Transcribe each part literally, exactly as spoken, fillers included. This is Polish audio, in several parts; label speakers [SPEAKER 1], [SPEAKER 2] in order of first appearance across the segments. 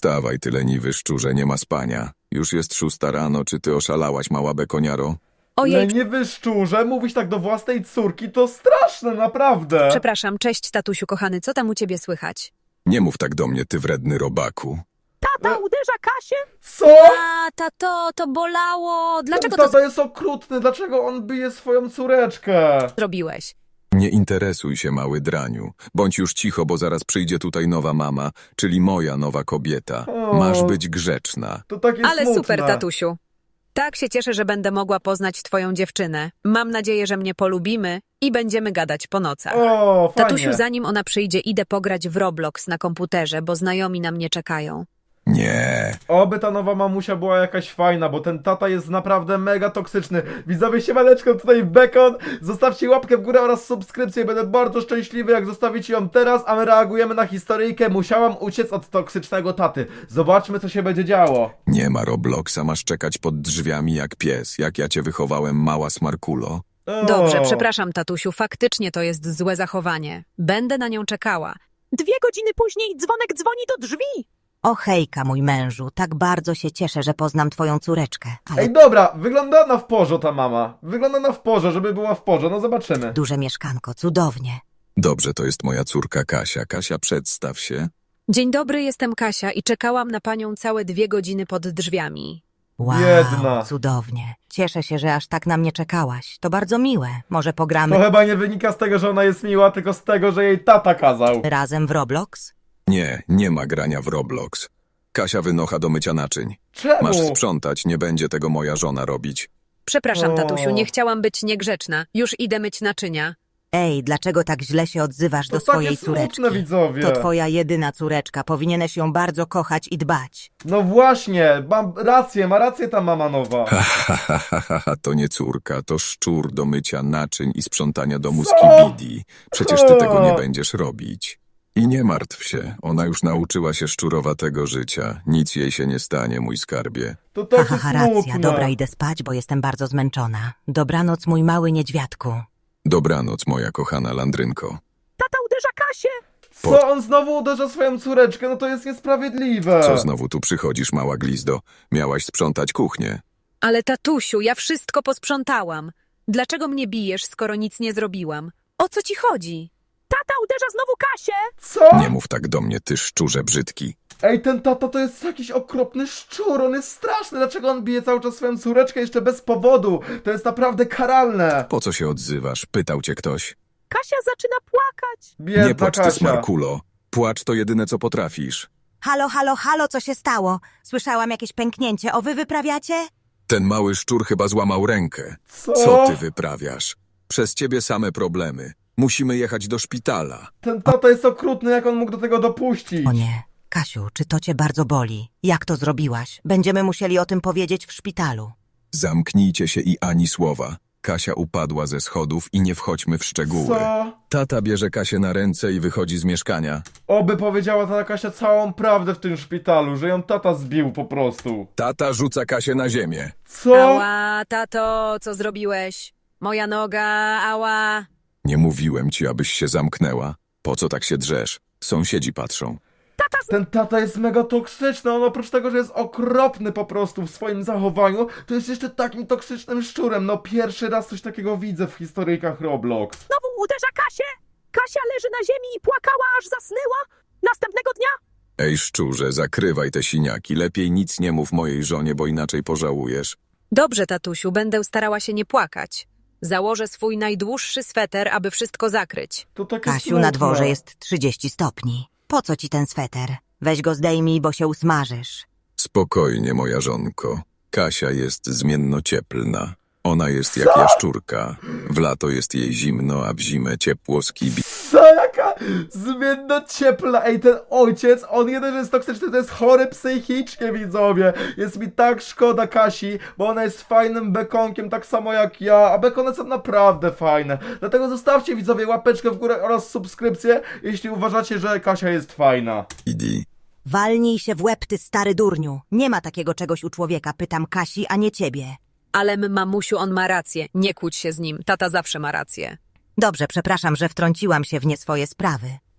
[SPEAKER 1] Wstawaj, ty leniwy szczurze, nie ma spania. Już jest szósta rano, czy ty oszalałaś, mała bekoniaro?
[SPEAKER 2] Ojej,
[SPEAKER 3] Leniwy szczurze, mówić tak do własnej córki to straszne, naprawdę.
[SPEAKER 2] przepraszam, cześć tatusiu kochany, co tam u ciebie słychać?
[SPEAKER 1] Nie mów tak do mnie, ty wredny robaku.
[SPEAKER 4] Tata uderza Kasię?
[SPEAKER 3] Co?
[SPEAKER 2] A, tato, to bolało. Dlaczego
[SPEAKER 3] Ten
[SPEAKER 2] to
[SPEAKER 3] tata jest okrutny, dlaczego on bije swoją córeczkę?
[SPEAKER 2] zrobiłeś?
[SPEAKER 1] Nie interesuj się, mały draniu. Bądź już cicho, bo zaraz przyjdzie tutaj nowa mama, czyli moja nowa kobieta.
[SPEAKER 3] O.
[SPEAKER 1] Masz być grzeczna.
[SPEAKER 3] To takie
[SPEAKER 2] Ale
[SPEAKER 3] smutne.
[SPEAKER 2] super, tatusiu. Tak się cieszę, że będę mogła poznać twoją dziewczynę. Mam nadzieję, że mnie polubimy i będziemy gadać po nocach.
[SPEAKER 3] O, fajnie.
[SPEAKER 2] Tatusiu, zanim ona przyjdzie, idę pograć w Roblox na komputerze, bo znajomi na mnie czekają.
[SPEAKER 1] Nie.
[SPEAKER 3] Oby ta nowa mamusia była jakaś fajna, bo ten tata jest naprawdę mega toksyczny. Widzowie, siemaneczko, tutaj Bekon. Zostawcie łapkę w górę oraz subskrypcję. Będę bardzo szczęśliwy, jak zostawicie ją teraz, a my reagujemy na historyjkę. Musiałam uciec od toksycznego taty. Zobaczmy, co się będzie działo.
[SPEAKER 1] Nie ma Robloxa, masz czekać pod drzwiami jak pies, jak ja cię wychowałem, mała smarkulo.
[SPEAKER 3] O.
[SPEAKER 2] Dobrze, przepraszam, tatusiu, faktycznie to jest złe zachowanie. Będę na nią czekała.
[SPEAKER 4] Dwie godziny później dzwonek dzwoni do drzwi.
[SPEAKER 5] O hejka, mój mężu, tak bardzo się cieszę, że poznam twoją córeczkę, ale
[SPEAKER 3] Ej, dobra, wygląda na w porze ta mama. Wygląda na w porze, żeby była w porze, no zobaczymy.
[SPEAKER 5] duże mieszkanko, cudownie.
[SPEAKER 1] Dobrze, to jest moja córka Kasia. Kasia, przedstaw się.
[SPEAKER 2] Dzień dobry, jestem Kasia i czekałam na panią całe dwie godziny pod drzwiami.
[SPEAKER 5] Wow,
[SPEAKER 3] Biedna.
[SPEAKER 5] cudownie. Cieszę się, że aż tak na mnie czekałaś. To bardzo miłe. Może
[SPEAKER 3] To
[SPEAKER 5] pogramy
[SPEAKER 3] chyba nie wynika z tego, że ona jest miła, tylko z tego, że jej tata kazał.
[SPEAKER 5] razem w Roblox?
[SPEAKER 1] Nie, nie ma grania w Roblox. Kasia wynocha do mycia naczyń.
[SPEAKER 3] Czemu?
[SPEAKER 1] Masz sprzątać, nie będzie tego moja żona robić.
[SPEAKER 2] Przepraszam,
[SPEAKER 3] O.
[SPEAKER 2] tatusiu, nie chciałam być niegrzeczna. Już idę myć naczynia.
[SPEAKER 5] Ej, dlaczego tak źle się odzywasz
[SPEAKER 3] To
[SPEAKER 5] do swojej
[SPEAKER 3] takie smutne,
[SPEAKER 5] córeczki?
[SPEAKER 3] widzowie.
[SPEAKER 5] To twoja jedyna córeczka, powinieneś ją bardzo kochać i dbać.
[SPEAKER 3] No właśnie, mam rację, ma rację ta mama nowa.
[SPEAKER 1] Ha, ha, ha, ha, ha, ha, to nie córka, to szczur do mycia naczyń i sprzątania domu z
[SPEAKER 3] Co?
[SPEAKER 1] kibidi. Przecież ty tego nie
[SPEAKER 3] O.
[SPEAKER 1] będziesz robić. I nie martw się, ona już nauczyła się szczurowatego życia. Nic jej się nie stanie, mój skarbie.
[SPEAKER 3] To
[SPEAKER 5] Ha,
[SPEAKER 3] takie
[SPEAKER 5] ha, ha, racja.
[SPEAKER 3] smutne.
[SPEAKER 5] Dobra, idę spać, bo jestem bardzo zmęczona. Dobranoc, mój mały niedźwiadku.
[SPEAKER 1] Dobranoc, moja kochana landrynko.
[SPEAKER 4] Tata uderza Kasię.
[SPEAKER 3] Co, on znowu uderza swoją córeczkę? No to jest niesprawiedliwe.
[SPEAKER 1] Co znowu tu przychodzisz, mała glizdo? Miałaś sprzątać kuchnię.
[SPEAKER 2] Ale tatusiu, ja wszystko posprzątałam. Dlaczego mnie bijesz, skoro nic nie zrobiłam? O co ci chodzi?
[SPEAKER 4] Tata uderza znowu Kasię.
[SPEAKER 3] Co?
[SPEAKER 1] Nie mów tak do mnie, ty szczurze brzydki.
[SPEAKER 3] Ej, ten tata to jest jakiś okropny szczur, on jest straszny. Dlaczego on bije cały czas swoją córeczkę jeszcze bez powodu? To jest naprawdę karalne.
[SPEAKER 1] Po co się odzywasz? Pytał cię ktoś.
[SPEAKER 4] Kasia zaczyna płakać.
[SPEAKER 3] Biedna
[SPEAKER 1] Nie płacz, ty
[SPEAKER 3] Kasia.
[SPEAKER 1] smarkulo. Płacz to jedyne, co potrafisz.
[SPEAKER 5] Halo, halo, halo, co się stało? Słyszałam jakieś pęknięcie. O, wy wyprawiacie?
[SPEAKER 1] Ten mały szczur chyba złamał rękę.
[SPEAKER 3] Co?
[SPEAKER 1] Co ty wyprawiasz? Przez ciebie same problemy. Musimy jechać do szpitala.
[SPEAKER 3] Ten tata jest okrutny, jak on mógł do tego dopuścić?
[SPEAKER 5] O nie. Kasiu, czy to cię bardzo boli? Jak to zrobiłaś? Będziemy musieli o tym powiedzieć w szpitalu.
[SPEAKER 1] Zamknijcie się i ani słowa. Kasia upadła ze schodów i nie wchodźmy w szczegóły.
[SPEAKER 3] Co?
[SPEAKER 1] Tata bierze Kasię na ręce i wychodzi z mieszkania.
[SPEAKER 3] Oby powiedziała ta Kasia całą prawdę w tym szpitalu, że ją tata zbił po prostu.
[SPEAKER 1] Tata rzuca Kasię na ziemię.
[SPEAKER 3] Co?
[SPEAKER 2] Ała, tato, co zrobiłeś? Moja noga, ała.
[SPEAKER 1] Nie mówiłem ci, abyś się zamknęła. Po co tak się drzesz? Sąsiedzi patrzą.
[SPEAKER 3] Ten tata jest mega toksyczny, on oprócz tego, że jest okropny po prostu w swoim zachowaniu, to jest jeszcze takim toksycznym szczurem. No pierwszy raz coś takiego widzę w historyjkach Roblox.
[SPEAKER 4] Znowu uderza Kasię. Kasia leży na ziemi i płakała, aż zasnęła. Następnego dnia
[SPEAKER 1] Ej szczurze, zakrywaj te siniaki. Lepiej nic nie mów mojej żonie, bo inaczej pożałujesz.
[SPEAKER 2] Dobrze, tatusiu, będę starała się nie płakać. Założę swój najdłuższy sweter, aby wszystko zakryć.
[SPEAKER 3] To takie
[SPEAKER 5] Kasiu,
[SPEAKER 3] smutne.
[SPEAKER 5] na dworze jest trzydzieści stopni. Po co ci ten sweter? Weź go zdejmij, bo się usmażysz.
[SPEAKER 1] Spokojnie, moja żonko. Kasia jest zmiennocieplna. Ona jest jak jaszczurka. W lato jest jej zimno, a w zimę ciepło z kibi.
[SPEAKER 3] Co, jaka zmienno ciepla. Ej, ten ojciec, on jeden jest toksyczny, to jest chory psychicznie, widzowie. Jest mi tak szkoda Kasi, bo ona jest fajnym bekonkiem, tak samo jak ja, a bekony są naprawdę fajne. Dlatego zostawcie, widzowie, łapeczkę w górę oraz subskrypcję, jeśli uważacie, że Kasia jest fajna.
[SPEAKER 1] Idi.
[SPEAKER 5] Walnij się w łeb, ty stary durniu. Nie ma takiego czegoś u człowieka, pytam Kasi, a nie ciebie.
[SPEAKER 2] Ale m, mamusiu, on ma rację. Nie kłóć się z nim. Tata zawsze ma rację.
[SPEAKER 5] Dobrze, przepraszam, że wtrąciłam się w nie swoje sprawy.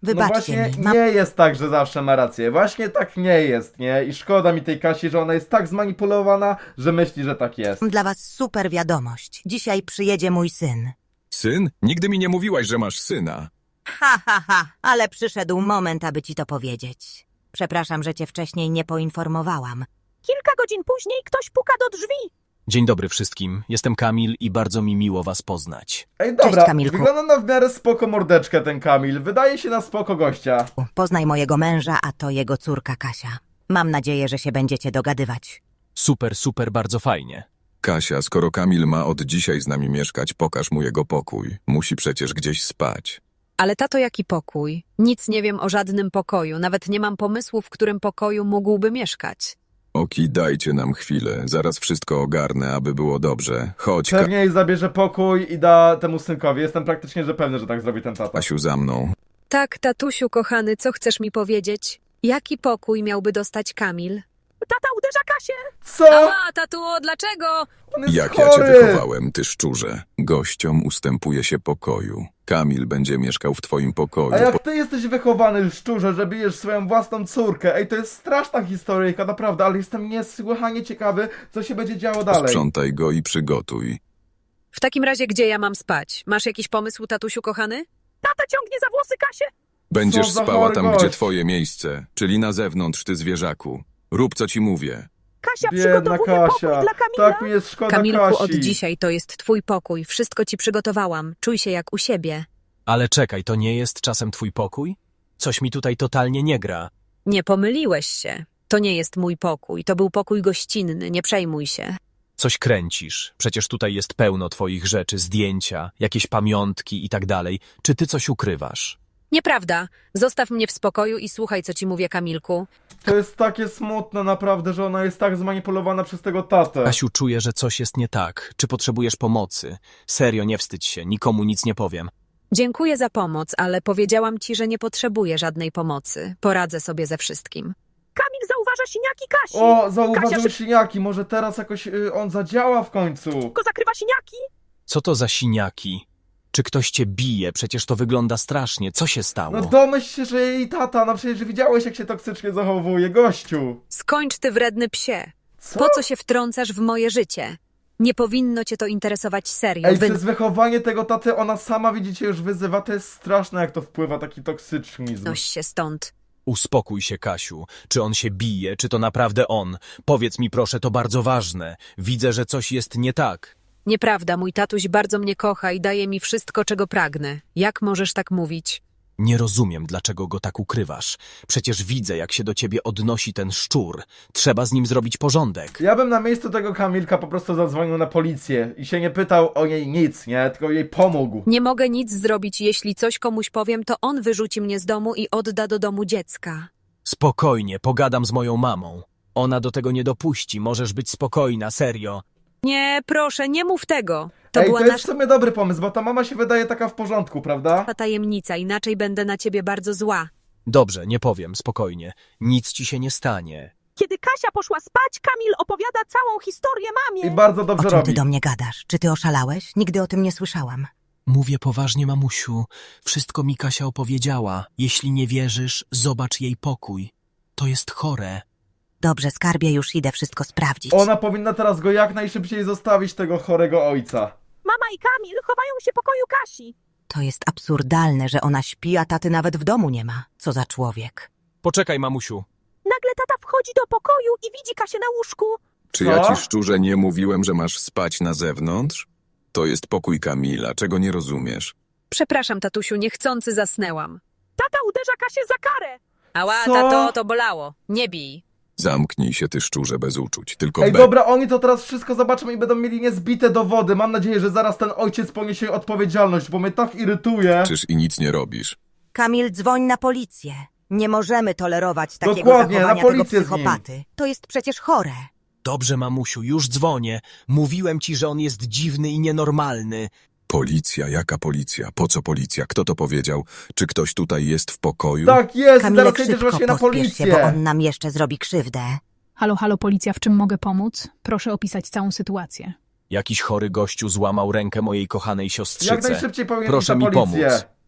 [SPEAKER 3] No
[SPEAKER 5] Wybaczcie
[SPEAKER 3] właśnie
[SPEAKER 5] mi, mam
[SPEAKER 3] nie jest tak, że zawsze ma rację. Właśnie tak nie jest, nie? I szkoda mi tej Kasi, że ona jest tak zmanipulowana, że myśli, że tak jest.
[SPEAKER 5] dla was super wiadomość. Dzisiaj przyjedzie mój syn.
[SPEAKER 1] Syn? Nigdy mi nie mówiłaś, że masz syna.
[SPEAKER 5] Ha, ha, ha, ale przyszedł moment, aby ci to powiedzieć. Przepraszam, że cię wcześniej nie poinformowałam.
[SPEAKER 4] Kilka godzin później ktoś puka do drzwi.
[SPEAKER 6] Dzień dobry wszystkim, jestem Kamil i bardzo mi miło was poznać.
[SPEAKER 3] Ej, dobra,
[SPEAKER 5] Kamilku.
[SPEAKER 3] wygląda na w miarę spoko mordeczkę ten Kamil. Wydaje się na spoko gościa.
[SPEAKER 5] Poznaj mojego męża, a to jego córka Kasia. Mam nadzieję, że się będziecie dogadywać.
[SPEAKER 6] Super, super, bardzo fajnie.
[SPEAKER 1] Kasia, skoro Kamil ma od dzisiaj z nami mieszkać, pokaż mu jego pokój. Musi przecież gdzieś spać.
[SPEAKER 2] Ale tato, jaki pokój? Nic nie wiem o żadnym pokoju, nawet nie mam pomysłu, w którym pokoju mógłby mieszkać.
[SPEAKER 1] Oki, dajcie nam chwilę, zaraz wszystko ogarnę, aby było dobrze. Chodź, Ka-
[SPEAKER 3] Pewnie jej zabierze pokój i da temu synkowi. Jestem praktycznie, że pewny, że tak zrobi ten tata.
[SPEAKER 1] Kasiu, za mną.
[SPEAKER 2] Tak, tatusiu kochany, co chcesz mi powiedzieć? Jaki pokój miałby dostać Kamil?
[SPEAKER 4] Tata uderza Kasię.
[SPEAKER 3] Co?
[SPEAKER 2] A, tatuo, dlaczego?
[SPEAKER 3] On jest
[SPEAKER 1] Jak ja cię
[SPEAKER 3] chory!
[SPEAKER 1] wychowałem, ty szczurze. Gościom ustępuje się pokoju. Kamil będzie mieszkał w twoim pokoju.
[SPEAKER 3] A jak ty jesteś wychowany, szczurze, że bijesz swoją własną córkę? Ej, to jest straszna historyjka, naprawdę, ale jestem niesłychanie ciekawy, co się będzie działo dalej.
[SPEAKER 1] Sprzątaj go i przygotuj.
[SPEAKER 2] W takim razie, gdzie ja mam spać? Masz jakiś pomysł, tatusiu kochany?
[SPEAKER 4] Tata ciągnie za włosy Kasię.
[SPEAKER 1] Będziesz
[SPEAKER 3] Co za
[SPEAKER 1] spała
[SPEAKER 3] chory
[SPEAKER 1] tam,
[SPEAKER 3] gość.
[SPEAKER 1] gdzie twoje miejsce, czyli na zewnątrz, ty zwierzaku. Rób, co ci mówię.
[SPEAKER 4] Kasia
[SPEAKER 3] Biedna
[SPEAKER 4] przygotowuje pokój
[SPEAKER 3] Kasia.
[SPEAKER 4] dla Kamila.
[SPEAKER 3] Tak mi jest szkoda
[SPEAKER 2] Kamilku,
[SPEAKER 3] Kasi.
[SPEAKER 2] od dzisiaj to jest twój pokój. Wszystko ci przygotowałam. Czuj się jak u siebie.
[SPEAKER 6] Ale czekaj, to nie jest czasem twój pokój? Coś mi tutaj totalnie nie gra.
[SPEAKER 2] Nie pomyliłeś się. To nie jest mój pokój. To był pokój gościnny. Nie przejmuj się.
[SPEAKER 6] Coś kręcisz. Przecież tutaj jest pełno twoich rzeczy, zdjęcia, jakieś pamiątki i tak dalej. Czy ty coś ukrywasz?
[SPEAKER 2] Nieprawda. Zostaw mnie w spokoju i słuchaj, co ci mówię, Kamilku.
[SPEAKER 3] To jest takie smutne naprawdę, że ona jest tak zmanipulowana przez tego tatę.
[SPEAKER 6] Kasiu, czuję, że coś jest nie tak. Czy potrzebujesz pomocy? Serio, nie wstydź się, nikomu nic nie powiem.
[SPEAKER 2] Dziękuję za pomoc, ale powiedziałam ci, że nie potrzebuję żadnej pomocy. Poradzę sobie ze wszystkim.
[SPEAKER 4] Kamil zauważa siniaki Kasi.
[SPEAKER 3] O, zauważył
[SPEAKER 4] Kasia
[SPEAKER 3] siniaki, może teraz jakoś y, on zadziała w końcu.
[SPEAKER 4] szybko zakrywa siniaki.
[SPEAKER 6] Co to za siniaki? Czy ktoś cię bije? Przecież to wygląda strasznie. Co się stało?
[SPEAKER 3] No domyśl się, że jej tata, no przecież widziałeś jak się toksycznie zachowuje, gościu.
[SPEAKER 2] Skończ, ty wredny psie.
[SPEAKER 3] Co?
[SPEAKER 2] Po co się wtrącasz w moje życie? Nie powinno cię to interesować serio.
[SPEAKER 3] Ej,
[SPEAKER 2] Wy...
[SPEAKER 3] przez wychowanie tego taty ona sama, widzicie, już wyzywa, to jest straszne jak to wpływa, taki toksycznizm.
[SPEAKER 2] Noś się stąd.
[SPEAKER 6] Uspokój się, Kasiu. Czy on się bije, czy to naprawdę on? Powiedz mi proszę, to bardzo ważne. Widzę, że coś jest nie tak.
[SPEAKER 2] Nieprawda, mój tatuś bardzo mnie kocha i daje mi wszystko, czego pragnę. Jak możesz tak mówić?
[SPEAKER 6] Nie rozumiem, dlaczego go tak ukrywasz. Przecież widzę, jak się do ciebie odnosi ten szczur. Trzeba z nim zrobić porządek.
[SPEAKER 3] Ja bym na miejscu tego Kamilka po prostu zadzwonił na policję i się nie pytał o niej nic, nie? Tylko jej pomógł.
[SPEAKER 2] Nie mogę nic zrobić, jeśli coś komuś powiem, to on wyrzuci mnie z domu i odda do domu dziecka.
[SPEAKER 6] Spokojnie, pogadam z moją mamą. Ona do tego nie dopuści, możesz być spokojna, serio.
[SPEAKER 2] Nie, proszę, nie mów tego. To
[SPEAKER 3] Ej,
[SPEAKER 2] była
[SPEAKER 3] to jest w
[SPEAKER 2] nasza
[SPEAKER 3] sumie dobry pomysł, bo ta mama się wydaje taka w porządku, prawda?
[SPEAKER 2] tajemnica, inaczej będę na ciebie bardzo zła.
[SPEAKER 6] Dobrze, nie powiem, spokojnie. Nic ci się nie stanie.
[SPEAKER 4] Kiedy Kasia poszła spać, Kamil opowiada całą historię mamie.
[SPEAKER 3] I bardzo
[SPEAKER 5] O
[SPEAKER 3] dobrze
[SPEAKER 5] czym ty
[SPEAKER 3] robi.
[SPEAKER 5] do mnie gadasz? Czy ty oszalałeś? Nigdy o tym nie słyszałam.
[SPEAKER 6] Mówię poważnie, mamusiu. Wszystko mi Kasia opowiedziała. Jeśli nie wierzysz, zobacz jej pokój. To jest chore.
[SPEAKER 5] Dobrze, skarbie, już idę wszystko sprawdzić.
[SPEAKER 3] Ona powinna teraz go jak najszybciej zostawić, tego chorego ojca.
[SPEAKER 4] Mama i Kamil chowają się w pokoju Kasi.
[SPEAKER 5] To jest absurdalne, że ona śpi, a taty nawet w domu nie ma. Co za człowiek.
[SPEAKER 6] Poczekaj, mamusiu.
[SPEAKER 4] Nagle tata wchodzi do pokoju i widzi Kasię na łóżku.
[SPEAKER 1] Czy
[SPEAKER 3] Co?
[SPEAKER 1] ja ci szczurze nie mówiłem, że masz spać na zewnątrz? To jest pokój Kamila, czego nie rozumiesz?
[SPEAKER 2] Przepraszam, tatusiu, niechcący zasnęłam.
[SPEAKER 4] Tata uderza Kasię za karę.
[SPEAKER 2] Ała,
[SPEAKER 3] Co?
[SPEAKER 2] tato, to bolało. Nie bij.
[SPEAKER 1] Zamknij się, ty szczurze, bez uczuć, tylko
[SPEAKER 3] Ej,
[SPEAKER 1] be...
[SPEAKER 3] dobra, oni to teraz wszystko zobaczą i będą mieli niezbite dowody. Mam nadzieję, że zaraz ten ojciec poniesie odpowiedzialność, bo mnie tak irytuje.
[SPEAKER 1] Czyż i nic nie robisz?
[SPEAKER 5] Kamil, dzwoń na policję. Nie możemy tolerować takiego
[SPEAKER 3] Dokładnie, na
[SPEAKER 5] zachowania tego
[SPEAKER 3] policję z nim.
[SPEAKER 5] psychopaty. To jest przecież chore.
[SPEAKER 6] Dobrze, mamusiu, już dzwonię. Mówiłem ci, że on jest dziwny i nienormalny.
[SPEAKER 1] Policja, jaka policja? Po co policja? Kto to powiedział? Czy ktoś tutaj jest w pokoju?
[SPEAKER 3] Tak jest,
[SPEAKER 5] Kamilek,
[SPEAKER 3] zaraz jedziesz
[SPEAKER 5] szybko
[SPEAKER 3] właśnie na
[SPEAKER 5] pospiesz
[SPEAKER 3] policję.
[SPEAKER 5] się, bo on nam jeszcze zrobi krzywdę.
[SPEAKER 7] Halo, halo, policja, w czym mogę pomóc? Proszę opisać całą sytuację.
[SPEAKER 6] Jakiś chory gościu złamał rękę mojej kochanej siostrzyce.
[SPEAKER 3] Jak najszybciej powinien
[SPEAKER 6] Proszę
[SPEAKER 3] iść na
[SPEAKER 6] mi
[SPEAKER 3] policję.
[SPEAKER 6] pomóc.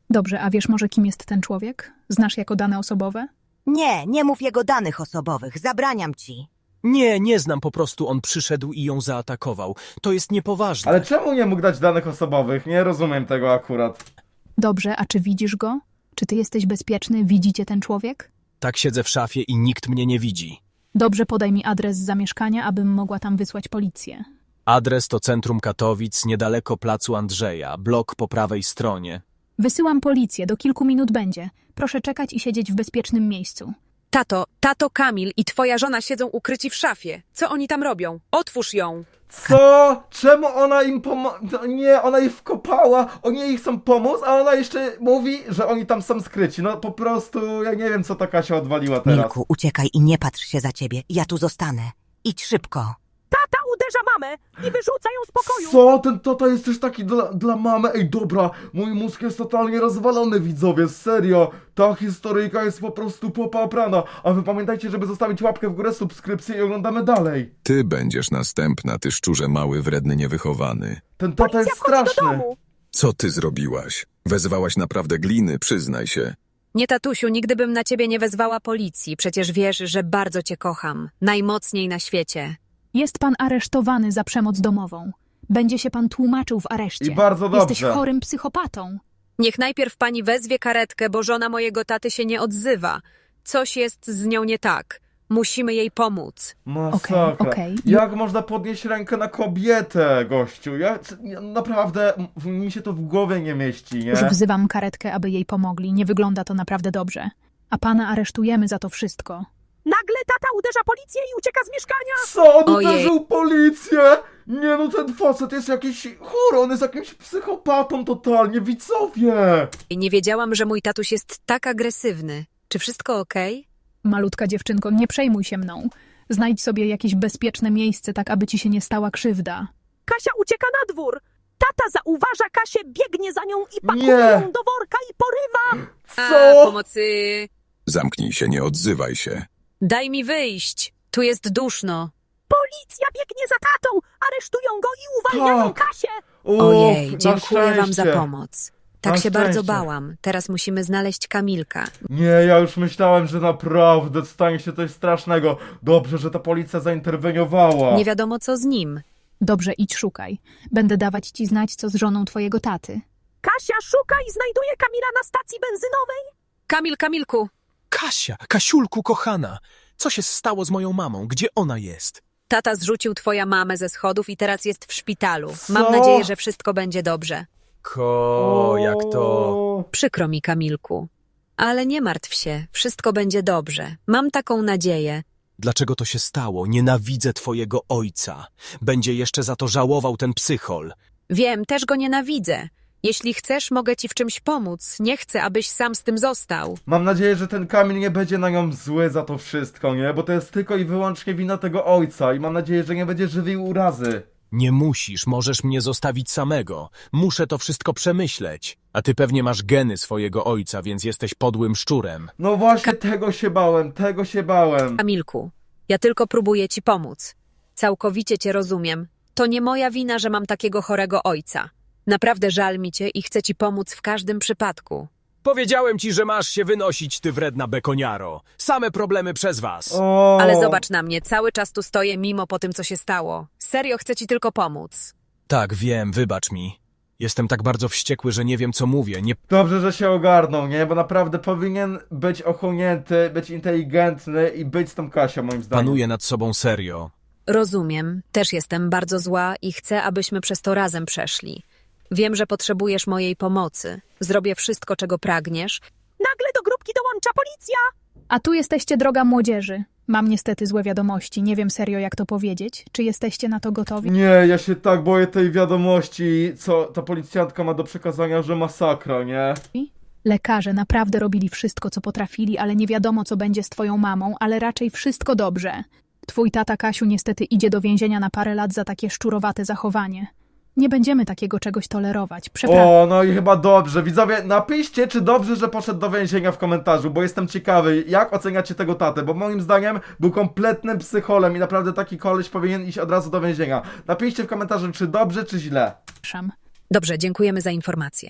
[SPEAKER 7] Dobrze, a wiesz może kim jest ten człowiek? Znasz jako dane osobowe?
[SPEAKER 5] Nie, nie mów jego danych osobowych, zabraniam ci.
[SPEAKER 6] Nie, nie znam, po prostu on przyszedł i ją zaatakował. To jest niepoważne.
[SPEAKER 3] Ale czemu nie mógł dać danych osobowych? Nie rozumiem tego akurat.
[SPEAKER 7] Dobrze, a czy widzisz go? Czy ty jesteś bezpieczny? Widzicie ten człowiek?
[SPEAKER 6] Tak siedzę w szafie i nikt mnie nie widzi.
[SPEAKER 7] Dobrze, podaj mi adres zamieszkania, abym mogła tam wysłać policję.
[SPEAKER 6] Adres to centrum Katowic, niedaleko placu Andrzeja, blok po prawej stronie.
[SPEAKER 7] Wysyłam policję, do kilku minut będzie. Proszę czekać i siedzieć w bezpiecznym miejscu.
[SPEAKER 2] Tato, tato Kamil i twoja żona siedzą ukryci w szafie. Co oni tam robią? Otwórz ją.
[SPEAKER 3] Co? Czemu ona im pomo... No nie, ona ich wkopała, oni jej chcą pomóc, a ona jeszcze mówi, że oni tam są skryci. No po prostu, ja nie wiem, co ta Kasia odwaliła teraz.
[SPEAKER 5] Milku, uciekaj i nie patrz się za ciebie. Ja tu zostanę. Idź szybko.
[SPEAKER 4] Tata uderza mamę i wyrzuca ją z pokoju.
[SPEAKER 3] Co? Ten tata jest też taki dla, dla mamy? Ej, dobra, mój mózg jest totalnie rozwalony, widzowie, serio. Ta historyjka jest po prostu popaprana. A wy pamiętajcie, żeby zostawić łapkę w górę, subskrypcję i oglądamy dalej.
[SPEAKER 1] Ty będziesz następna, ty szczurze mały, wredny, niewychowany.
[SPEAKER 3] Ten tata
[SPEAKER 4] Policja
[SPEAKER 3] jest
[SPEAKER 4] wchodzi do
[SPEAKER 3] straszny.
[SPEAKER 4] domu.
[SPEAKER 1] Co ty zrobiłaś? Wezwałaś naprawdę gliny, przyznaj się.
[SPEAKER 2] Nie, tatusiu, nigdy bym na ciebie nie wezwała policji. Przecież wiesz, że bardzo cię kocham. Najmocniej na świecie.
[SPEAKER 7] Jest pan aresztowany za przemoc domową. Będzie się pan tłumaczył w areszcie.
[SPEAKER 3] I bardzo
[SPEAKER 7] Jesteś
[SPEAKER 3] dobrze.
[SPEAKER 7] chorym psychopatą.
[SPEAKER 2] Niech najpierw pani wezwie karetkę, bo żona mojego taty się nie odzywa. Coś jest z nią nie tak. Musimy jej pomóc.
[SPEAKER 3] Masakra.
[SPEAKER 7] Okej, okej.
[SPEAKER 3] Jak można podnieść rękę na kobietę, gościu? Ja c- ja naprawdę, m- mi się to w głowie nie mieści, nie?
[SPEAKER 7] Już wzywam karetkę, aby jej pomogli. Nie wygląda to naprawdę dobrze. A pana aresztujemy za to wszystko.
[SPEAKER 4] Nagle tata uderza policję i ucieka z mieszkania.
[SPEAKER 3] Co? On
[SPEAKER 2] Ojej.
[SPEAKER 3] uderzył policję? Nie no, ten facet jest jakiś chory, on jest jakimś psychopatą totalnie, widzowie!
[SPEAKER 2] I nie wiedziałam, że mój tatuś jest tak agresywny. Czy wszystko okej?
[SPEAKER 7] Malutka dziewczynko, nie przejmuj się mną. Znajdź sobie jakieś bezpieczne miejsce, tak aby ci się nie stała krzywda.
[SPEAKER 4] Kasia ucieka na dwór. Tata zauważa Kasię, biegnie za nią i pakuje
[SPEAKER 3] Nie.
[SPEAKER 4] ją do worka i porywa.
[SPEAKER 2] A,
[SPEAKER 3] Co?
[SPEAKER 2] pomocy.
[SPEAKER 1] Zamknij się, nie odzywaj się.
[SPEAKER 2] Daj mi wyjść. Tu jest duszno.
[SPEAKER 4] Policja biegnie za tatą, aresztują go i uwalniają
[SPEAKER 3] Tak.
[SPEAKER 4] Kasię.
[SPEAKER 3] Uff,
[SPEAKER 2] Ojej,
[SPEAKER 3] na
[SPEAKER 2] dziękuję wam za
[SPEAKER 3] szczęście.
[SPEAKER 2] pomoc. Tak
[SPEAKER 3] Na
[SPEAKER 2] się bardzo
[SPEAKER 3] szczęście.
[SPEAKER 2] bałam. Teraz musimy znaleźć Kamilka.
[SPEAKER 3] Nie, ja już myślałem, że naprawdę stanie się coś strasznego. Dobrze, że ta policja zainterweniowała.
[SPEAKER 2] Nie wiadomo co z nim.
[SPEAKER 7] Dobrze, idź szukaj. Będę dawać ci znać, co z żoną twojego taty.
[SPEAKER 4] Kasia szuka i znajduje Kamila na stacji benzynowej.
[SPEAKER 2] Kamil, Kamilku.
[SPEAKER 6] Kasia, Kasiulku kochana, co się stało z moją mamą? Gdzie ona jest?
[SPEAKER 2] Tata zrzucił twoja mamę ze schodów i teraz jest w szpitalu.
[SPEAKER 3] Co?
[SPEAKER 2] Mam nadzieję, że wszystko będzie dobrze.
[SPEAKER 6] Ko, jak to...
[SPEAKER 2] Przykro mi, Kamilku. Ale nie martw się, wszystko będzie dobrze. Mam taką nadzieję.
[SPEAKER 6] Dlaczego to się stało? Nienawidzę twojego ojca. Będzie jeszcze za to żałował ten psychol.
[SPEAKER 2] Wiem, też go nienawidzę. Jeśli chcesz, mogę ci w czymś pomóc. Nie chcę, abyś sam z tym został.
[SPEAKER 3] Mam nadzieję, że ten Kamil nie będzie na nią zły za to wszystko, nie? Bo to jest tylko i wyłącznie wina tego ojca i mam nadzieję, że nie będzie żywił urazy.
[SPEAKER 6] Nie musisz, możesz mnie zostawić samego. Muszę to wszystko przemyśleć. A ty pewnie masz geny swojego ojca, więc jesteś podłym szczurem.
[SPEAKER 3] No właśnie tego się bałem, tego się bałem.
[SPEAKER 2] Kamilku, ja tylko próbuję ci pomóc. Całkowicie cię rozumiem. To nie moja wina, że mam takiego chorego ojca. Naprawdę żal mi cię i chcę ci pomóc w każdym przypadku.
[SPEAKER 6] Powiedziałem ci, że masz się wynosić, ty wredna bekoniaro. Same problemy przez was.
[SPEAKER 3] O,
[SPEAKER 2] Ale zobacz na mnie, cały czas tu stoję mimo po tym, co się stało. Serio chcę ci tylko pomóc.
[SPEAKER 6] Tak, wiem, wybacz mi. Jestem tak bardzo wściekły, że nie wiem, co mówię. Nie
[SPEAKER 3] Dobrze, że się ogarnął, nie? Bo naprawdę powinien być ochłonięty, być inteligentny i być z tą Kasią, moim zdaniem.
[SPEAKER 6] panuję nad sobą serio.
[SPEAKER 2] Rozumiem, też jestem bardzo zła i chcę, abyśmy przez to razem przeszli. Wiem, że potrzebujesz mojej pomocy. Zrobię wszystko, czego pragniesz.
[SPEAKER 4] Nagle do grupki dołącza policja.
[SPEAKER 7] A tu jesteście, droga młodzieży. Mam niestety złe wiadomości. Nie wiem serio, jak to powiedzieć. Czy jesteście na to gotowi?
[SPEAKER 3] Nie, ja się tak boję tej wiadomości, co ta policjantka ma do przekazania, że masakra, nie?
[SPEAKER 7] Lekarze naprawdę robili wszystko, co potrafili, ale nie wiadomo, co będzie z twoją mamą, ale raczej wszystko dobrze. Twój tata, Kasiu, niestety idzie do więzienia na parę lat za takie szczurowate zachowanie. Nie będziemy takiego czegoś tolerować. Przepraszam.
[SPEAKER 3] O, no i chyba dobrze. Widzowie, napiszcie, czy dobrze, że poszedł do więzienia w komentarzu, bo jestem ciekawy, jak oceniacie tego tatę, bo moim zdaniem był kompletnym psycholem i naprawdę taki koleś powinien iść od razu do więzienia. Napiszcie w komentarzu, czy dobrze, czy źle.
[SPEAKER 2] Dobrze, dziękujemy za informację.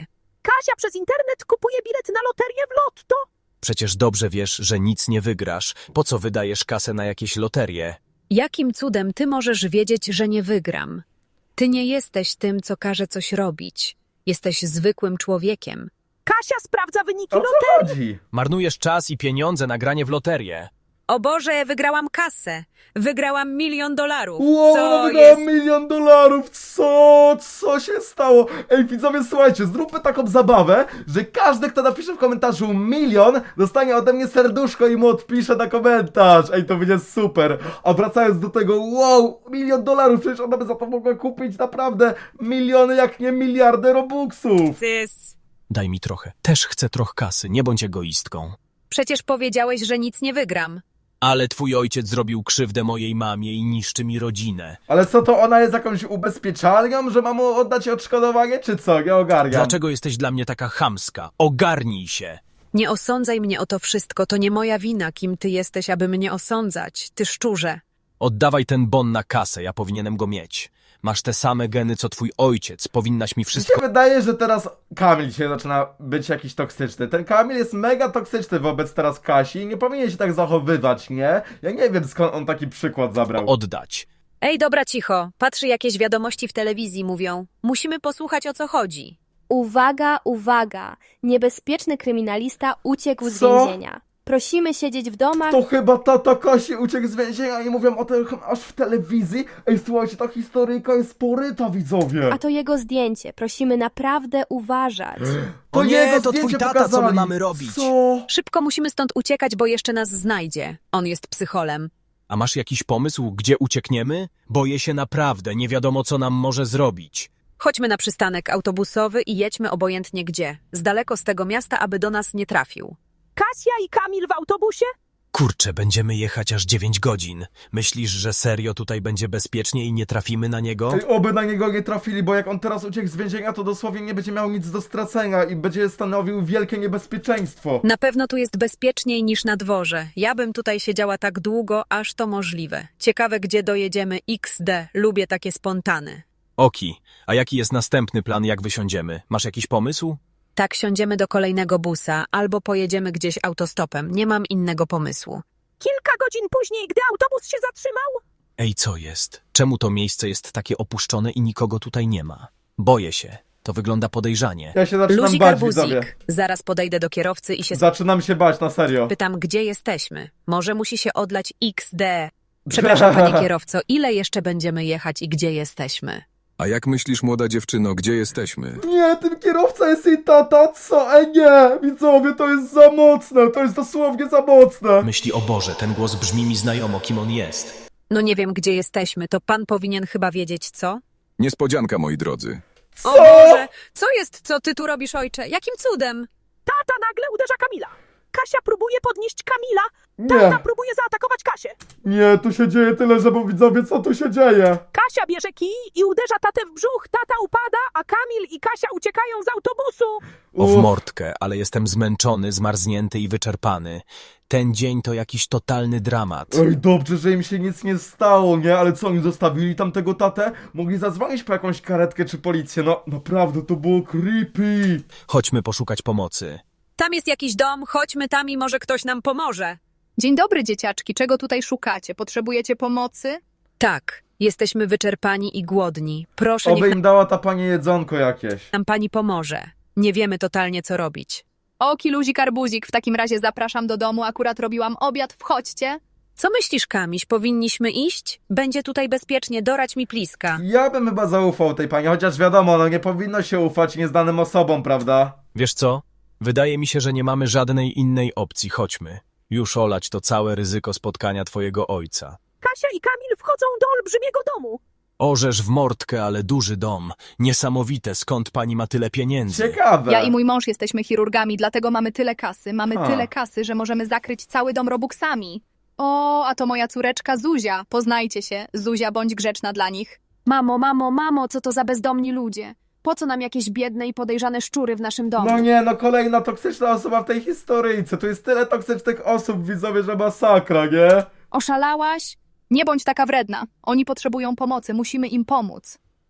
[SPEAKER 4] Kasia przez internet kupuje bilet na loterię w lotto.
[SPEAKER 6] Przecież dobrze wiesz, że nic nie wygrasz. Po co wydajesz kasę na jakieś loterie?
[SPEAKER 2] Jakim cudem ty możesz wiedzieć, że nie wygram? Ty nie jesteś tym, co każe coś robić. Jesteś zwykłym człowiekiem.
[SPEAKER 4] Kasia sprawdza wyniki
[SPEAKER 3] O co
[SPEAKER 4] loterii.
[SPEAKER 3] chodzi?
[SPEAKER 6] Marnujesz czas i pieniądze na granie w loterię.
[SPEAKER 2] O Boże, wygrałam kasę. Wygrałam milion dolarów.
[SPEAKER 3] Wow,
[SPEAKER 2] Co
[SPEAKER 3] ona wygrała
[SPEAKER 2] jest...
[SPEAKER 3] milion dolarów! Co? Co się stało? Ej, widzowie, słuchajcie, zróbmy taką zabawę, że każdy, kto napisze w komentarzu milion, dostanie ode mnie serduszko i mu odpisze na komentarz. Ej, to będzie super. A wracając do tego, wow, milion dolarów, przecież ona by za to mogła kupić naprawdę miliony, jak nie miliardy robuxów.
[SPEAKER 2] Cys.
[SPEAKER 6] Daj mi trochę. Też chcę trochę kasy, nie bądź egoistką.
[SPEAKER 2] Przecież powiedziałeś, że nic nie wygram.
[SPEAKER 6] Ale twój ojciec zrobił krzywdę mojej mamie i niszczy mi rodzinę.
[SPEAKER 3] Ale co, to ona jest jakąś ubezpieczalnią, że ma mu oddać odszkodowanie, czy co? Nie ogarniam.
[SPEAKER 6] Dlaczego jesteś dla mnie taka chamska? Ogarnij się!
[SPEAKER 2] Nie osądzaj mnie o to wszystko. To nie moja wina, kim ty jesteś, aby mnie osądzać. Ty szczurze.
[SPEAKER 6] Oddawaj ten bon na kasę, ja powinienem go mieć. Masz te same geny, co twój ojciec. Powinnaś mi
[SPEAKER 3] Mi
[SPEAKER 6] wszystko...
[SPEAKER 3] się wydaje, że teraz Kamil się zaczyna być jakiś toksyczny. Ten Kamil jest mega toksyczny wobec teraz Kasi i nie powinien się tak zachowywać, nie? Ja nie wiem, skąd on taki przykład zabrał.
[SPEAKER 6] oddać.
[SPEAKER 2] Ej, dobra, cicho. Patrzy, jakieś wiadomości w telewizji mówią. Musimy posłuchać, o co chodzi.
[SPEAKER 8] Uwaga, uwaga! Niebezpieczny kryminalista uciekł z
[SPEAKER 3] Co?
[SPEAKER 8] więzienia. Prosimy siedzieć w domach.
[SPEAKER 3] To chyba tata Kasi uciekł z więzienia i mówią o tym aż w telewizji. Ej, słuchajcie, ta historyjka jest poryta, widzowie.
[SPEAKER 8] A to jego zdjęcie. Prosimy naprawdę uważać.
[SPEAKER 3] To
[SPEAKER 6] O nie,
[SPEAKER 3] jego
[SPEAKER 6] to twój
[SPEAKER 3] zdjęcie
[SPEAKER 6] tata, co my
[SPEAKER 3] pokazali.
[SPEAKER 6] mamy robić?
[SPEAKER 3] Co?
[SPEAKER 2] Szybko musimy stąd uciekać, bo jeszcze nas znajdzie. On jest psycholem.
[SPEAKER 6] A masz jakiś pomysł, gdzie uciekniemy? Boję się naprawdę, nie wiadomo, co nam może zrobić.
[SPEAKER 2] Chodźmy na przystanek autobusowy i jedźmy obojętnie gdzie. Z daleko z tego miasta, aby do nas nie trafił.
[SPEAKER 4] Kasia i Kamil w autobusie?
[SPEAKER 6] Kurczę, będziemy jechać aż dziewięć godzin. Myślisz, że serio tutaj będzie bezpiecznie i nie trafimy na niego?
[SPEAKER 3] Ej, oby na niego nie trafili, bo jak on teraz uciekł z więzienia, to dosłownie nie będzie miał nic do stracenia i będzie stanowił wielkie niebezpieczeństwo.
[SPEAKER 2] Na pewno tu jest bezpieczniej niż na dworze. Ja bym tutaj siedziała tak długo, aż to możliwe. Ciekawe, gdzie dojedziemy. iks de. Lubię takie spontany.
[SPEAKER 6] Oki, a jaki jest następny plan, jak wysiądziemy? Masz jakiś pomysł?
[SPEAKER 2] Tak, siądziemy do kolejnego busa, albo pojedziemy gdzieś autostopem. Nie mam innego pomysłu.
[SPEAKER 4] Kilka godzin później, gdy autobus się zatrzymał?
[SPEAKER 6] Ej, co jest? Czemu to miejsce jest takie opuszczone i nikogo tutaj nie ma? Boję się. To wygląda podejrzanie.
[SPEAKER 3] Ja się zaczynam
[SPEAKER 2] Luzik
[SPEAKER 3] bać, widzowie.
[SPEAKER 2] arbuzik. Zaraz podejdę do kierowcy i się
[SPEAKER 3] Zaczynam się bać, na serio.
[SPEAKER 2] pytam, gdzie jesteśmy. Może musi się odlać iks de. Przepraszam, panie kierowco, ile jeszcze będziemy jechać i gdzie jesteśmy?
[SPEAKER 1] A jak myślisz, młoda dziewczyno, gdzie jesteśmy?
[SPEAKER 3] Nie, ten kierowca jest jej tata, co? Ej, nie, widzowie, to jest za mocne, to jest dosłownie za mocne.
[SPEAKER 6] Myśli, o Boże, ten głos brzmi mi znajomo, kim on jest.
[SPEAKER 2] No nie wiem, gdzie jesteśmy, to pan powinien chyba wiedzieć, co?
[SPEAKER 1] Niespodzianka, moi drodzy.
[SPEAKER 3] Co?
[SPEAKER 2] O Boże, co jest, co ty tu robisz, ojcze? Jakim cudem?
[SPEAKER 4] Tata nagle uderza Kamila. Kasia próbuje podnieść Kamila.
[SPEAKER 3] Nie,
[SPEAKER 4] Tata próbuje zaatakować Kasię.
[SPEAKER 3] nie, tu się dzieje tyle, że bo widzowie, co tu się dzieje?
[SPEAKER 4] Kasia bierze kij i uderza tatę w brzuch. Tata upada, a Kamil i Kasia uciekają z autobusu.
[SPEAKER 6] O w
[SPEAKER 3] Uff.
[SPEAKER 6] mordkę, ale jestem zmęczony, zmarznięty i wyczerpany. Ten dzień to jakiś totalny dramat.
[SPEAKER 3] Ej, dobrze, że im się nic nie stało, nie? Ale co, oni zostawili tam tego tatę? Mogli zadzwonić po jakąś karetkę czy policję, no naprawdę, to było creepy.
[SPEAKER 6] Chodźmy poszukać pomocy.
[SPEAKER 2] Tam jest jakiś dom, chodźmy tam i może ktoś nam pomoże.
[SPEAKER 7] Dzień dobry, dzieciaczki. Czego tutaj szukacie? Potrzebujecie pomocy?
[SPEAKER 2] Tak, jesteśmy wyczerpani i głodni. Proszę,
[SPEAKER 3] Oby
[SPEAKER 2] niech
[SPEAKER 3] im dała ta pani jedzonko jakieś.
[SPEAKER 2] nam pani pomoże. Nie wiemy totalnie, co robić.
[SPEAKER 7] Oki, luzik, arbuzik. W takim razie zapraszam do domu. Akurat robiłam obiad. Wchodźcie.
[SPEAKER 2] Co myślisz, Kamiś? Powinniśmy iść? Będzie tutaj bezpiecznie, dorać mi pliska.
[SPEAKER 3] Ja bym chyba zaufał tej pani, chociaż wiadomo, no nie powinno się ufać nieznanym osobom, prawda?
[SPEAKER 6] Wiesz co? Wydaje mi się, że nie mamy żadnej innej opcji. Chodźmy. Już olać to całe ryzyko spotkania twojego ojca.
[SPEAKER 4] Kasia i Kamil wchodzą do olbrzymiego domu.
[SPEAKER 6] Orzesz w mordkę, ale duży dom. Niesamowite, skąd pani ma tyle pieniędzy?
[SPEAKER 3] Ciekawe.
[SPEAKER 7] Ja i mój mąż jesteśmy chirurgami, dlatego mamy tyle kasy. Mamy
[SPEAKER 3] Ha.
[SPEAKER 7] tyle kasy, że możemy zakryć cały dom robuxami. O, a to moja córeczka Zuzia. Poznajcie się. Zuzia, bądź grzeczna dla nich.
[SPEAKER 9] Mamo, mamo, mamo, co to za bezdomni ludzie? Po co nam jakieś biedne i podejrzane szczury w naszym domu?
[SPEAKER 3] No nie, no kolejna toksyczna osoba w tej historyjce. Tu jest tyle toksycznych osób, widzowie, że masakra, nie?
[SPEAKER 9] Oszalałaś?
[SPEAKER 7] Nie bądź taka wredna. Oni potrzebują pomocy. Musimy im pomóc.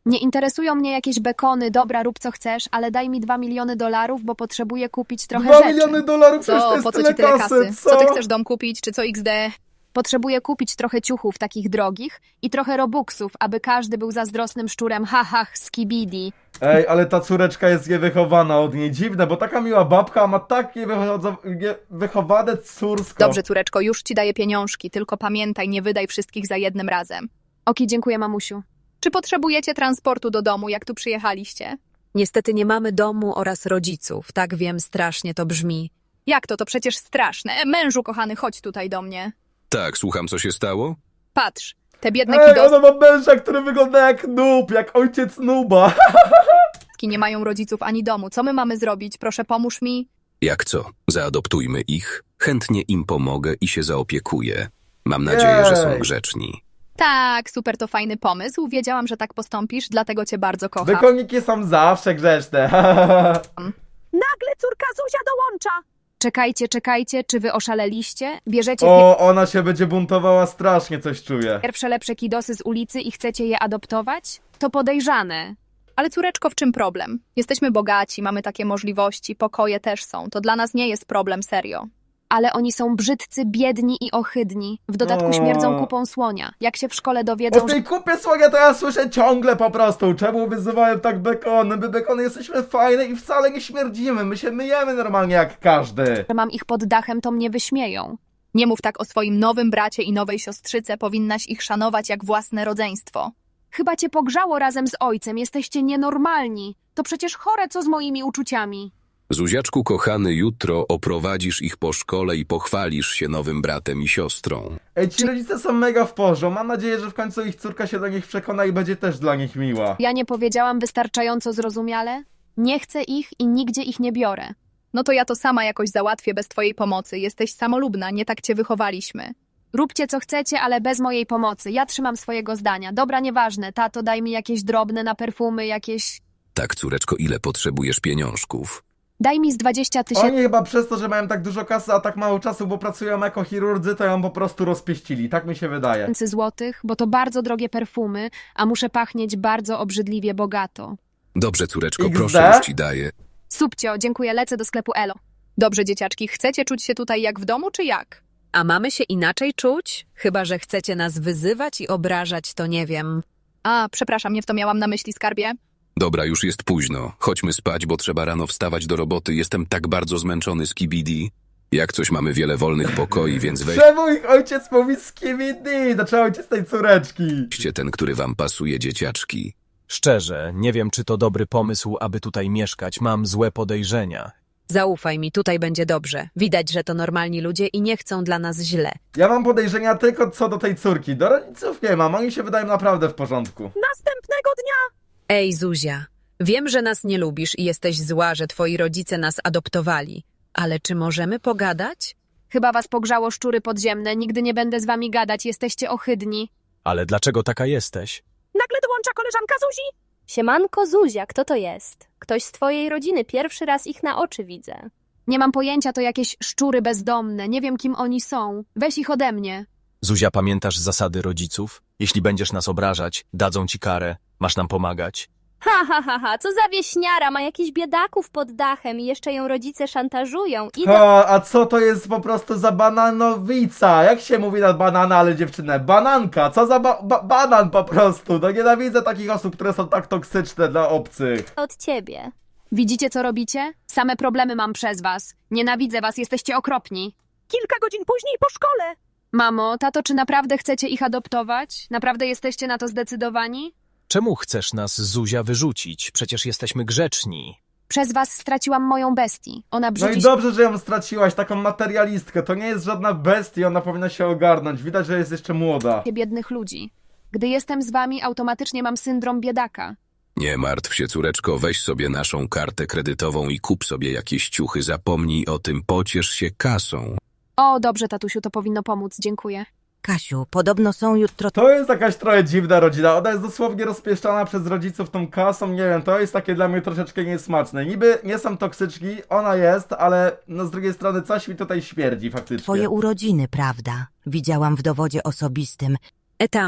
[SPEAKER 9] Nie interesują mnie jakieś bekony, dobra, rób co chcesz, ale daj mi dwa miliony dolarów, bo potrzebuję kupić trochę
[SPEAKER 3] Dwa
[SPEAKER 9] rzeczy.
[SPEAKER 3] miliony dolarów, przecież to
[SPEAKER 10] Co,
[SPEAKER 3] jest
[SPEAKER 10] po co
[SPEAKER 3] tyle
[SPEAKER 10] ci tyle
[SPEAKER 3] kasy,
[SPEAKER 10] kasy?
[SPEAKER 3] co?
[SPEAKER 10] Co ty chcesz dom kupić, czy co iks de?
[SPEAKER 9] Potrzebuję kupić trochę ciuchów takich drogich i trochę robuxów, aby każdy był zazdrosnym szczurem, ha, ha, skibidi.
[SPEAKER 3] Ej, ale ta córeczka jest niewychowana od niej. Dziwne, bo taka miła babka ma takie wycho- nie- wychowane córsko.
[SPEAKER 10] Dobrze, córeczko, już ci daję pieniążki, tylko pamiętaj, nie wydaj wszystkich za jednym razem.
[SPEAKER 9] Oki, dziękuję, mamusiu.
[SPEAKER 10] Czy potrzebujecie transportu do domu, jak tu przyjechaliście?
[SPEAKER 2] Niestety nie mamy domu oraz rodziców. Tak wiem, strasznie to brzmi.
[SPEAKER 10] Jak to? To przecież straszne. Mężu kochany, chodź tutaj do mnie.
[SPEAKER 1] Tak, słucham, co się stało?
[SPEAKER 10] Patrz, te biedne
[SPEAKER 3] Ej,
[SPEAKER 10] kidostki
[SPEAKER 3] ona ma męża, który wygląda jak noob, jak ojciec nuba.
[SPEAKER 10] nie mają rodziców ani domu. Co my mamy zrobić? Proszę, pomóż mi.
[SPEAKER 1] Jak co? Zaadoptujmy ich. Chętnie im pomogę i się zaopiekuję. Mam nadzieję, że są
[SPEAKER 3] Jej.
[SPEAKER 1] grzeczni.
[SPEAKER 10] Tak, super, to fajny pomysł. Wiedziałam, że tak postąpisz, dlatego cię bardzo kocham.
[SPEAKER 3] Wykoniki są zawsze grzeczne.
[SPEAKER 4] Nagle córka Zuzia dołącza.
[SPEAKER 9] Czekajcie, czekajcie, czy wy oszaleliście? Bierzecie
[SPEAKER 3] O, ona się będzie buntowała strasznie, coś czuję.
[SPEAKER 9] pierwsze lepsze kidosy z ulicy i chcecie je adoptować? To podejrzane.
[SPEAKER 10] Ale córeczko, w czym problem? Jesteśmy bogaci, mamy takie możliwości, pokoje też są. To dla nas nie jest problem, serio.
[SPEAKER 9] Ale oni są brzydcy, biedni i ohydni. W dodatku
[SPEAKER 3] O.
[SPEAKER 9] śmierdzą kupą słonia. Jak się w szkole
[SPEAKER 3] O
[SPEAKER 9] dowiedzą, że
[SPEAKER 3] tej kupie słonia to ja słyszę ciągle po prostu. Czemu wyzywałem tak bekony? My bekony jesteśmy fajne i wcale nie śmierdzimy. My się myjemy normalnie jak każdy.
[SPEAKER 9] mam ich pod dachem, to mnie wyśmieją.
[SPEAKER 10] Nie mów tak o swoim nowym bracie i nowej siostrzyce, powinnaś ich szanować jak własne rodzeństwo.
[SPEAKER 9] Chyba cię pogrzało razem z ojcem, jesteście nienormalni. To przecież chore, co z moimi uczuciami.
[SPEAKER 1] Zuziaczku kochany, jutro oprowadzisz ich po szkole i pochwalisz się nowym bratem i siostrą.
[SPEAKER 3] Ej, ci rodzice są mega w porządku. Mam nadzieję, że w końcu ich córka się do nich przekona i będzie też dla nich miła.
[SPEAKER 9] Ja nie powiedziałam wystarczająco zrozumiale? Nie chcę ich i nigdzie ich nie biorę.
[SPEAKER 10] No to ja to sama jakoś załatwię bez twojej pomocy. Jesteś samolubna, nie tak cię wychowaliśmy.
[SPEAKER 9] Róbcie co chcecie, ale bez mojej pomocy. Ja trzymam swojego zdania. Dobra, nieważne. Tato, daj mi jakieś drobne na perfumy, jakieś...
[SPEAKER 1] Tak, córeczko, ile potrzebujesz pieniążków?
[SPEAKER 9] Daj mi z dwadzieścia tysięcy.
[SPEAKER 3] Oni chyba przez to, że mają tak dużo kasy, a tak mało czasu, bo pracują jako chirurdzy, to ją po prostu rozpieścili. Tak mi się wydaje.
[SPEAKER 9] złotych, bo to bardzo drogie perfumy, a muszę pachnieć bardzo obrzydliwie bogato.
[SPEAKER 1] Dobrze, córeczko,
[SPEAKER 3] iks de?
[SPEAKER 1] proszę, już ci daję.
[SPEAKER 9] Subcio, dziękuję, lecę do sklepu Elo.
[SPEAKER 10] Dobrze, dzieciaczki, chcecie czuć się tutaj jak w domu, czy jak?
[SPEAKER 2] A mamy się inaczej czuć? Chyba że chcecie nas wyzywać i obrażać, to nie wiem.
[SPEAKER 10] A, przepraszam, nie w to miałam na myśli, skarbie.
[SPEAKER 1] Dobra, już jest późno. Chodźmy spać, bo trzeba rano wstawać do roboty. Jestem tak bardzo zmęczony z kibidi. Jak coś, mamy wiele wolnych pokoi, więc
[SPEAKER 3] Czemu ich ojciec mówi skibidi? Znaczy ojciec tej córeczki.
[SPEAKER 1] weźcie ten, który wam pasuje, dzieciaczki.
[SPEAKER 6] Szczerze, nie wiem, czy to dobry pomysł, aby tutaj mieszkać. Mam złe podejrzenia.
[SPEAKER 2] Zaufaj mi, tutaj będzie dobrze. Widać, że to normalni ludzie i nie chcą dla nas źle.
[SPEAKER 3] Ja mam podejrzenia tylko co do tej córki. Do rodziców nie mam, oni się wydają naprawdę w porządku.
[SPEAKER 4] Następnego dnia.
[SPEAKER 2] Ej, Zuzia, wiem, że nas nie lubisz i jesteś zła, że twoi rodzice nas adoptowali. Ale czy możemy pogadać?
[SPEAKER 9] Chyba was pogrzało szczury podziemne, nigdy nie będę z wami gadać, jesteście ohydni.
[SPEAKER 6] Ale dlaczego taka jesteś?
[SPEAKER 4] Nagle dołącza koleżanka Zuzi.
[SPEAKER 8] Siemanko Zuzia, kto to jest? Ktoś z twojej rodziny, pierwszy raz ich na oczy widzę.
[SPEAKER 9] Nie mam pojęcia, to jakieś szczury bezdomne, nie wiem kim oni są. Weź ich ode mnie.
[SPEAKER 6] Zuzia, pamiętasz zasady rodziców? Jeśli będziesz nas obrażać, dadzą ci karę. Masz nam pomagać.
[SPEAKER 8] Ha, ha, ha, ha, co za wieśniara, ma jakichś biedaków pod dachem i jeszcze ją rodzice szantażują. Idę...
[SPEAKER 3] Ha, a co to jest po prostu za bananowica? Jak się mówi na banana, ale dziewczynę? Bananka, co za ba ba banan po prostu? No nienawidzę takich osób, które są tak toksyczne dla obcych.
[SPEAKER 8] od ciebie.
[SPEAKER 9] Widzicie, co robicie? Same problemy mam przez was. Nienawidzę was, jesteście okropni.
[SPEAKER 4] Kilka godzin później po szkole.
[SPEAKER 9] Mamo, tato, czy naprawdę chcecie ich adoptować? Naprawdę jesteście na to zdecydowani?
[SPEAKER 6] Czemu chcesz nas, Zuzia, wyrzucić? Przecież jesteśmy grzeczni.
[SPEAKER 9] Przez was straciłam moją bestię. Ona
[SPEAKER 3] No
[SPEAKER 9] brzydzi
[SPEAKER 3] i dobrze, że ją straciłaś, taką materialistkę. To nie jest żadna bestia, ona powinna się ogarnąć. Widać, że jest jeszcze młoda.
[SPEAKER 9] się biednych ludzi. Gdy jestem z wami, automatycznie mam syndrom biedaka.
[SPEAKER 1] Nie martw się, córeczko, weź sobie naszą kartę kredytową i kup sobie jakieś ciuchy. Zapomnij o tym, pociesz się kasą.
[SPEAKER 9] O, dobrze, tatusiu, to powinno pomóc, dziękuję.
[SPEAKER 5] Kasiu, podobno są jutro...
[SPEAKER 3] To jest jakaś trochę dziwna rodzina. Ona jest dosłownie rozpieszczana przez rodziców tą kasą. Nie wiem, to jest takie dla mnie troszeczkę niesmaczne. Niby nie są toksyczni, ona jest, ale no z drugiej strony coś mi tutaj śmierdzi faktycznie.
[SPEAKER 5] Twoje urodziny, prawda? Widziałam w dowodzie osobistym.
[SPEAKER 2] E tam,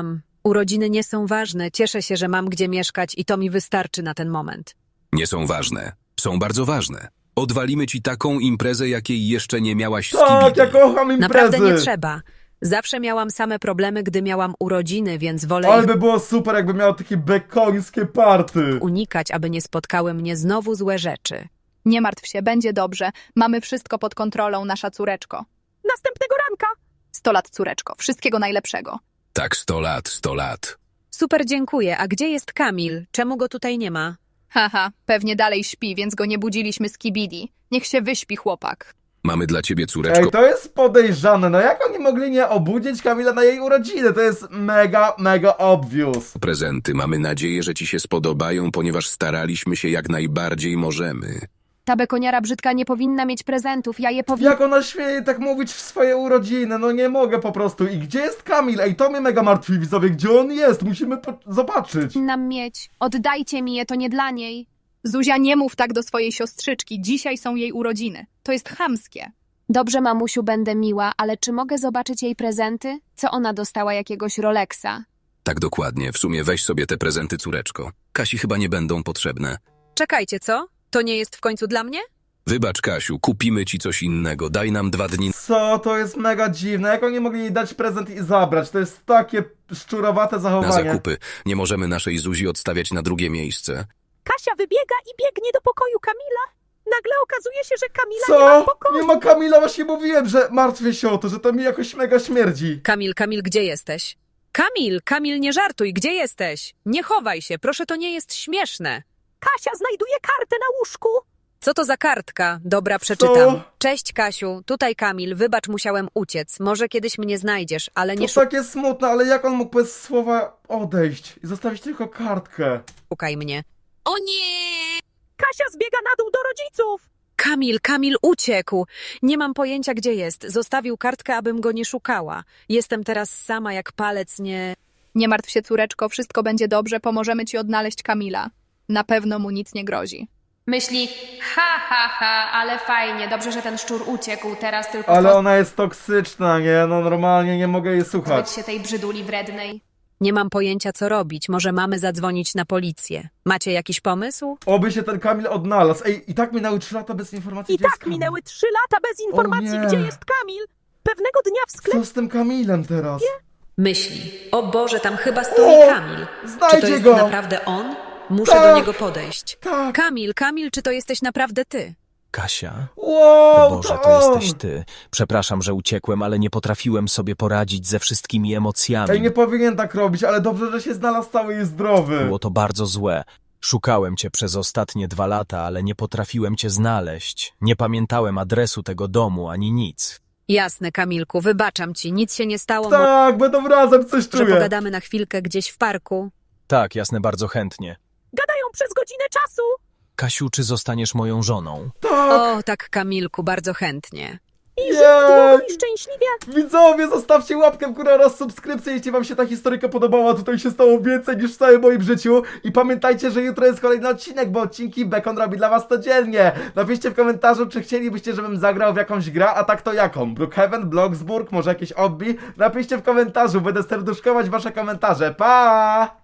[SPEAKER 2] Urodziny nie są ważne, cieszę się, że mam gdzie mieszkać i to mi wystarczy na ten moment.
[SPEAKER 11] Nie są ważne. Są bardzo ważne. Odwalimy ci taką imprezę, jakiej jeszcze nie miałaś z
[SPEAKER 3] Tak,
[SPEAKER 11] Kibidi.
[SPEAKER 3] ja kocham imprezy.
[SPEAKER 2] Naprawdę nie trzeba. Zawsze miałam same problemy, gdy miałam urodziny, więc wolę
[SPEAKER 3] Ale
[SPEAKER 2] ich
[SPEAKER 3] by było super, jakby miał takie bekońskie party.
[SPEAKER 2] unikać, aby nie spotkały mnie znowu złe rzeczy.
[SPEAKER 10] Nie martw się, będzie dobrze. Mamy wszystko pod kontrolą, nasza córeczko.
[SPEAKER 4] Następnego ranka.
[SPEAKER 10] Sto lat, córeczko. Wszystkiego najlepszego.
[SPEAKER 11] Tak, sto lat, sto lat.
[SPEAKER 2] Super, dziękuję. A gdzie jest Kamil? Czemu go tutaj nie ma?
[SPEAKER 10] Haha, pewnie dalej śpi, więc go nie budziliśmy z Kibidi. Niech się wyśpi, chłopak.
[SPEAKER 11] Mamy dla ciebie, córeczko,
[SPEAKER 3] Ej, to jest podejrzane. No jak oni mogli nie obudzić Kamila na jej urodziny? To jest mega, mega obvious.
[SPEAKER 11] prezenty. Mamy nadzieję, że ci się spodobają, ponieważ staraliśmy się jak najbardziej możemy.
[SPEAKER 9] Ta bekoniara brzydka nie powinna mieć prezentów, ja je powinna...
[SPEAKER 3] Jak ona śmieje tak mówić w swoje urodziny? No nie mogę po prostu. I gdzie jest Kamil? Ej, to mnie mega martwi, widzowie. Gdzie on jest? Musimy po- zobaczyć.
[SPEAKER 9] nam mieć. Oddajcie mi je, to nie dla niej.
[SPEAKER 10] Zuzia, nie mów tak do swojej siostrzyczki. Dzisiaj są jej urodziny. To jest chamskie.
[SPEAKER 9] Dobrze, mamusiu, będę miła, ale czy mogę zobaczyć jej prezenty? Co ona dostała, jakiegoś Rolexa?
[SPEAKER 11] Tak dokładnie. W sumie weź sobie te prezenty, córeczko. Kasi chyba nie będą potrzebne.
[SPEAKER 2] Czekajcie, co? To nie jest w końcu dla mnie?
[SPEAKER 11] Wybacz, Kasiu, kupimy ci coś innego. Daj nam dwa dni
[SPEAKER 3] Co? To jest mega dziwne. Jak oni mogli jej dać prezent i zabrać? To jest takie szczurowate
[SPEAKER 11] na
[SPEAKER 3] zachowanie.
[SPEAKER 11] zakupy. Nie możemy naszej Zuzi odstawiać na drugie miejsce.
[SPEAKER 4] Kasia wybiega i biegnie do pokoju Kamila. Nagle okazuje się, że Kamila nie ma w
[SPEAKER 3] Co?
[SPEAKER 4] pokoju.
[SPEAKER 3] Nie ma Kamila, właśnie mówiłem, że martwię się o to, że to mi jakoś mega śmierdzi.
[SPEAKER 2] Kamil, Kamil, gdzie jesteś? Kamil, Kamil, nie żartuj, gdzie jesteś? Nie chowaj się, proszę, to nie jest śmieszne.
[SPEAKER 4] Kasia znajduje kartę na łóżku.
[SPEAKER 2] Co to za kartka? Dobra, przeczytam.
[SPEAKER 3] Co?
[SPEAKER 2] Cześć, Kasiu, tutaj Kamil, wybacz, musiałem uciec. Może kiedyś mnie znajdziesz, ale nie
[SPEAKER 3] To takie smutne, ale jak on mógł bez słowa odejść i zostawić tylko kartkę?
[SPEAKER 2] szukaj mnie. O nie!
[SPEAKER 4] Kasia zbiega na dół do rodziców.
[SPEAKER 2] Kamil, Kamil uciekł. Nie mam pojęcia, gdzie jest. Zostawił kartkę, abym go nie szukała. Jestem teraz sama jak palec, nie...
[SPEAKER 10] Nie martw się, córeczko. Wszystko będzie dobrze. Pomożemy ci odnaleźć Kamila. Na pewno mu nic nie grozi.
[SPEAKER 9] Myśli, ha, ha, ha, ale fajnie, dobrze, że ten szczur uciekł, teraz tylko
[SPEAKER 3] Ale ona jest toksyczna, nie? No normalnie nie mogę jej słuchać.
[SPEAKER 9] pozbyć się tej brzyduli wrednej.
[SPEAKER 2] Nie mam pojęcia, co robić. Może mamy zadzwonić na policję. Macie jakiś pomysł?
[SPEAKER 3] Oby się ten Kamil odnalazł. Ej, i tak minęły trzy lata bez informacji,
[SPEAKER 4] I
[SPEAKER 3] gdzie jest
[SPEAKER 4] tak
[SPEAKER 3] Kamil.
[SPEAKER 4] minęły trzy lata bez informacji,
[SPEAKER 3] nie.
[SPEAKER 4] gdzie jest Kamil. Pewnego dnia w sklepie...
[SPEAKER 3] Co z tym Kamilem teraz?
[SPEAKER 2] Myśli. O Boże, tam chyba stoi
[SPEAKER 3] O,
[SPEAKER 2] Kamil. Czy to
[SPEAKER 3] znajdzie
[SPEAKER 2] jest
[SPEAKER 3] go.
[SPEAKER 2] naprawdę on? Muszę
[SPEAKER 3] Tak.
[SPEAKER 2] do niego podejść.
[SPEAKER 3] Tak.
[SPEAKER 2] Kamil, Kamil, czy to jesteś naprawdę ty?
[SPEAKER 6] Kasia?
[SPEAKER 3] Wow,
[SPEAKER 6] O Boże, to
[SPEAKER 3] on.
[SPEAKER 6] jesteś ty. Przepraszam, że uciekłem, ale nie potrafiłem sobie poradzić ze wszystkimi emocjami.
[SPEAKER 3] Ej, nie powinien tak robić, ale dobrze, że się znalazł cały i zdrowy.
[SPEAKER 6] Było to bardzo złe. Szukałem cię przez ostatnie dwa lata, ale nie potrafiłem cię znaleźć. Nie pamiętałem adresu tego domu ani nic.
[SPEAKER 2] Jasne, Kamilku, wybaczam ci. Nic się nie stało.
[SPEAKER 3] Tak, będą razem, coś
[SPEAKER 2] Może
[SPEAKER 3] czuję.
[SPEAKER 2] pogadamy na chwilkę gdzieś w parku?
[SPEAKER 6] Tak, jasne, bardzo chętnie.
[SPEAKER 4] Gadają przez godzinę czasu.
[SPEAKER 6] Kasiu, czy zostaniesz moją żoną?
[SPEAKER 3] Tak,
[SPEAKER 2] O, tak, Kamilku, bardzo chętnie.
[SPEAKER 4] I żyli długo
[SPEAKER 3] jej.
[SPEAKER 4] i szczęśliwie.
[SPEAKER 3] Widzowie, zostawcie łapkę w górę oraz subskrypcję, jeśli wam się ta historyjka podobała. Tutaj się stało więcej niż w całym moim życiu. I pamiętajcie, że jutro jest kolejny odcinek, bo odcinki Bekon robi dla was codziennie. Napiszcie w komentarzu, czy chcielibyście, żebym zagrał w jakąś grę, a tak to jaką? Brookhaven, Bloxburg, może jakieś obbi? Napiszcie w komentarzu, będę serduszkować wasze komentarze. Pa!